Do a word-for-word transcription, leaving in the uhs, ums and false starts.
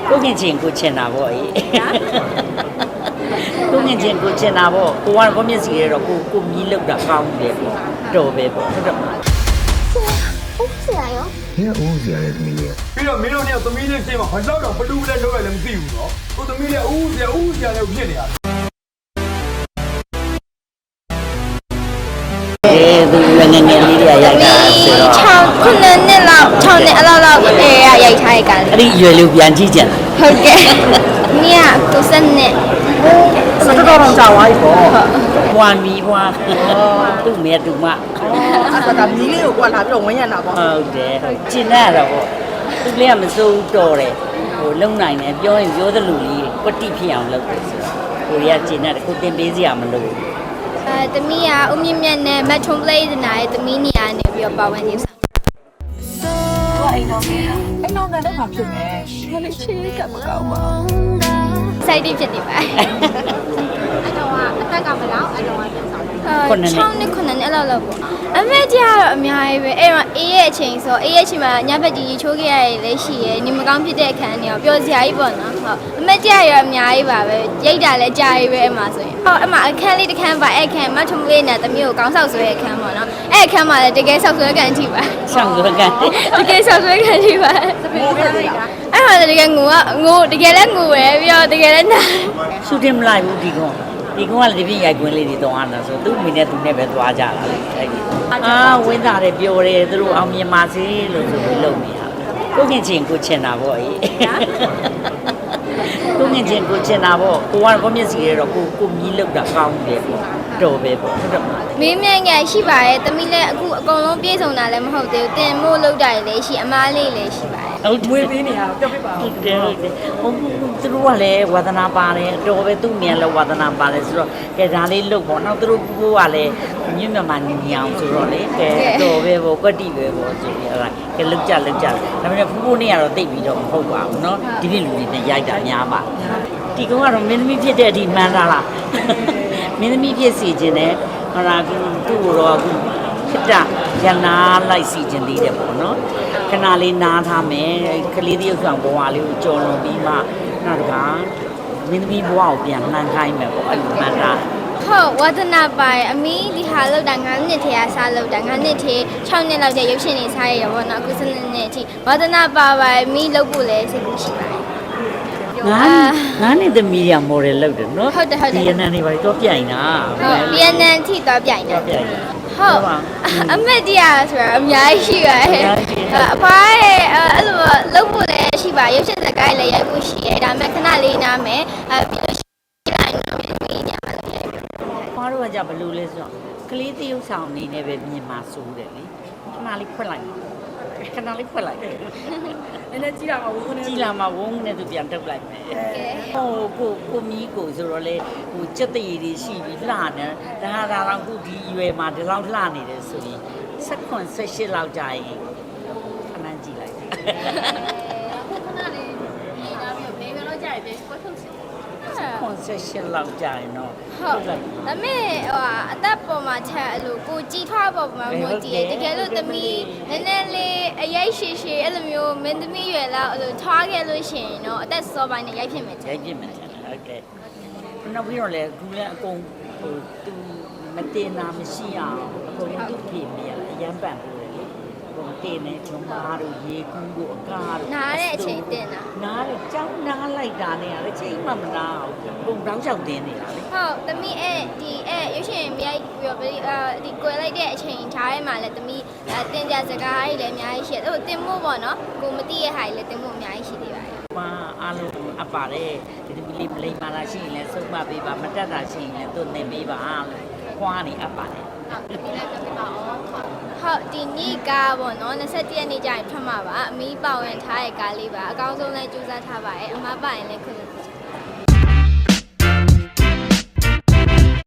ကိုငင်ချင်းကိုချင်တာပေါ့အေးကိုငင်ချင်းကိုချင်တာပေါ့ကိုကကိုမျက်စိရဲတော့ကိုကိုမြည်လောက်တာကောင်းတယ်ပေါ့တော်ပဲပေါ့ဟုတ်တယ်မလားဟုတ်ဆရာရောဘယ်ဦးစရာလဲသမီးလေးပြီးတော့မင်းတို့เนี่ยသမီးလေးပြင်မှာဘာလို့တော့ဘလူးလည်းလုပ်ရလည်းမသိဘူးเนาะကိုသမီးလေးဦးစရာဦးစရာလည်းဖြစ်နေရတယ်အဲသူငငယ်ငယ်လေးတွေရိုက်တာဆိုတော့ 6ခုနှစ်လောက်6နှစ်အလောက်လောက်အဲရိုက်ထားရကန်အဲ့ဒီရွယ်လေးပြန်ကြည့်ကြလားဟုတ်ကဲ့မြာကိုစနဲ့စတော့တော့ကြာသွားပြီပေါ့ဘွာမီဘွာသူ့မဲသူမအဲ့ဒါမီးလေးကိုကွာလာပြီးတော့ဝင်းရတာပေါ့ဟုတ်တယ်ကျင်ရတော့ပေါ့သူလေးကမစိုးတော်တယ်ဟိုလုံနိုင်တယ်ပြောရင်ပြောသလိုလေးကွတိဖြစ်အောင်လုပ်တယ်ဆိုတော့ကိုရီးယားကျင်ရတယ်ကိုတင်ပေးစရာမလိုဘူးအဲတမီးကဦးမြင့်မြတ်နဲ့မက်ထွန်ပလေးနာရဲ့တမီးနေရာနေပြီးတော့ပါဝင်နေဆောင်အိမ်တော်ကအိမ်တော်ကတော့ဘာဖြစ်လဲဘာလို့ချေးကမကောင်းပါဘူးစိုက်တိဖြစ်နေပါအဲ့တော့အသက်ကဘယ်လောက်အဲ့တော့ပြန်ဆောင် 6နှစ်9နှစ်အဲ့လောက်လောက်ပေါ့အမေကြီးကတော့အများကြီးပဲအဲ့တော့အေးရဲ့အချိန်ဆိုအေးရဲ့အချိန်မှာညဘက်ကြီးချိုးခဲ့ရရလည်းရှိရယ်နေမကောင်းဖြစ်တဲ့အခန်းတွေရောပျော်စရာကြီးပေါ့နော်ဟုတ်အမေကြီးရောအများကြီးပါပဲရိတ်တာလည်းကြာကြီးပဲအမှဆိုရင်ဟုတ်အမှအခန်းလေးတစ်ခန်းပါအဲ့အခန်းမထုံလေးနဲ့တမျိုးကိုကောင်းဆောက်ဆွဲအခန်းပေါ့နော်အဲ့အခန်းမှာလည်းတကယ်ဆောက်ဆွဲကန်ကြည့်ပါဆောက်ဆွဲကန်တကယ်ဆောက်ဆွဲကန်ကြည့်ပါအဲ့မှာတကယ်ငိုကငိုတကယ်လည်းငိုပဲပြီးတော့တကယ်လည်းနာရှူတင်မလိုက်ဘူးဒီကောင်ဒီကောင်ကလည်းဒီပြည့်ရိုက်ကွင်းလေးတွေတောင်းရတာဆိုသူ့မိနဲ့သူနဲ့ပဲသွားကြတာလေအဲ့ဒီအာဝင်းသားတယ်ပြောတယ်သူတို့အောင်မြင်ပါစေလို့ဆိုပြီးလုပ်နေတာကိုငင်ချင်းကိုချင်တာပေါ့အေးကိုငင်ချင်းကိုချင်တာပေါ့ကိုကကိုမျက်စိရဲတော့ကိုကိုမြည်လောက်တာကောင်းတယ်ပေါ့တော်ပဲပေါ့ဟုတ်တယ်မလားမင်းမြန်ငယ်ရှိပါရဲ့တမီးလည်းအခုအကုန်လုံးပြေဆုံးတာလည်းမဟုတ်သေးဘူးတင်မို့လောက်တာလည်းရှိအမားလေးလည်းရှိပါတယ်ဟုတ်မွေးပေးနေရတော့ပြောပြပါဦးဟုတ်တယ်ဟုတ်တယ်ဟိုသူတို့ကလည်းဝါသနာပါတယ်တော်ပဲသူ့မြန်လည်းဝါသနာပါတယ်ဆိုတော့ကဲဒါလေးလုပ်ပေါ့နောက်သူတို့ကလည်းညမြမနေနေအောင်ဆိုတော့လေကဲတော်ပဲပေါ့ကွက်တိပဲပေါ့ဆိုပြီးအဲ့ဒါကဲလုတ်ကြလုတ်ကြဒါပေမဲ့ဖူးဖူးနေရတော့တိတ်ပြီးတော့မဟုတ်ပါဘူးเนาะဒီပြလူတွေနဲ့ရိုက်တာများပါဒီကောင်ကတော့မင်းသမီးဖြစ်တဲ့အထိမှန်းတာလားမင်းသမီးဖြစ်စီခြင်းနဲ့ဟောလာသူ့ကိုတော့အခုခတရနာလိုက်စီခြင်းသေးတယ်ပေါ့နော်ခဏလေးနားထားမယ်ကလေးတယောက်ဆောင်ဘဝလေးကိုကြော်လွန်ပြီးမှနောက်တစ်ခါမင်းသမီးဘဝကိုပြန်လှမ်းခိုင်းမယ်ပေါ့အဲ့လိုမှန်းတာဟုတ်ဝါသနာပါအမီးဒီဟာလောက်တာ9နှစ်ထဲကစားလောက်တာ9နှစ်ထဲ6နှစ်လောက်ကျရုပ်ရှင်နေစားရရပေါ့နော်အခုစနေနေ့အထိဝါသနာပါပါအမီးလောက်ဖို့လည်းစိတ်ကူးရှိပါတယ်ငါငါနဲ့သမီးရမော်ဒယ်လုပ်တယ်နော်ဟုတ်တယ်ဟုတ်တယ်ဗီယက်နမ်နေပါတော့ပြိုင်တာဟုတ်ဗီယက်နမ်ထိတော့ပြိုင်တာဟုတ်အမက်တရားဆိုတာအများကြီးရှိပါတယ်အဖိုးရဲ့အဲ့လိုလုပ်ဖို့လည်းရှိပါရုပ်ရှင်စကားလည်းရိုက်ဖို့ရှိတယ်ဒါပေမဲ့ခဏလေးနားမယ်အဲပြီးလို့ရှိရင်တော့မင်းညမှာလည်းရိုက်ပြီဖွားတော့ကဘယ်လိုလဲဆိုတော့ကလေးတရုပ်ဆောင်အနေနဲ့ပဲမြင်မှာစိုးတယ်လေခဏလေးဖွက်လိုက်ခဏလေးဖွက်လိုက်အဲ့ဒါကြည့်ရမှာဝုန်းနဲ့ကြည့်လာမှာဝုန်းနဲ့သူပြန်တုတ်လိုက်မယ်ဟိုကိုကိုမီးကိုဆိုတော့လေဟိုစက်တရည်တွေရှိပြီးလှနေဒါဟာဒါတော့ခုဒီရွယ်မှာဒီလောက်လှနေတယ်ဆိုရင်၁၇ ၁၈လောက်ကြာရင်ခဏကြည့်လိုက်ခဏလေးဒီဒါမျိုးနေမလို့ကြာရင်ပြန်ကွက်ထုတ်ချင်ကွန်ဆက်ရှင်လောက်ကြာရင်တော့ဟုတ်ဒါပေမဲ့ဟိုအသက်ပေါ်မှာချက်အဲ့လိုကိုကြည်ထွားပေါ်မှာမို့ကြည့်ရတကယ်လို့သမီးနည်းနည်းလေးအရိုက်ရှည်ရှည်အဲ့လိုမျိုးမင်းသမီးရွယ်လောက်အဲ့လိုထွားခဲ့လို့ရှိရင်တော့အသက်စောပိုင်းနဲ့ရိုက်ဖြစ်မယ်ရိုက်ဖြစ်မယ်ဟုတ်ကဲ့နောက်ပြီးတော့လေကူလည်းအကုန်ဟိုသူမတင်တာမရှိအောင်အကုန်လုံးသူ့ပြေမြင်အရန်ပန်ပို့တယ်လေဟိုတင်နေချုံမားတို့ရေကူးတို့အကားတို့နားတဲ့အချိန်တင်တာနားတယ်ကြောက်နားလိုက်တာနဲ့အချိန်မှမနာဘူးပုံတောင်းလျှောက်တင်နေတာလေဟုတ်သမီးအဲ့ဒီအဲ့ရွှေရှင်မြိုက်ပြီးတော့ဒီကွယ်လိုက်တဲ့အချိန်ခြားထဲမှာလည်းသမီးတင်ကြစကားကြီးလည်းအများကြီးရှိတယ်ဟိုတင်မို့ပေါ့နော်ကိုမသိရတဲ့ဟာကြီးလည်းတင်မို့အများကြီးရှိသေးပါတယ်ပါအားလုံးအပ်ပါတယ်ဒီမီပလိမာလာရှိရင်လည်းစုံမပေးပါမတက်တာရှိရင်လည်းသူ့နေပေးပါလို့ခွားနေအပ်ပါတယ်ဟုတ်ဒီလည်းပြပါအောင်ဟုတ်ဒီနေ့ကပေါ့နော်၂၁ရက်နေ့ကျရင်ထွက်မှာပါအမီးပါဝင်ထားတဲ့ကားလေးပါအကောင်းဆုံးလည်းကြိုးစားထားပါတယ်အမပါရင်လည်းခွင့်ပြုပါ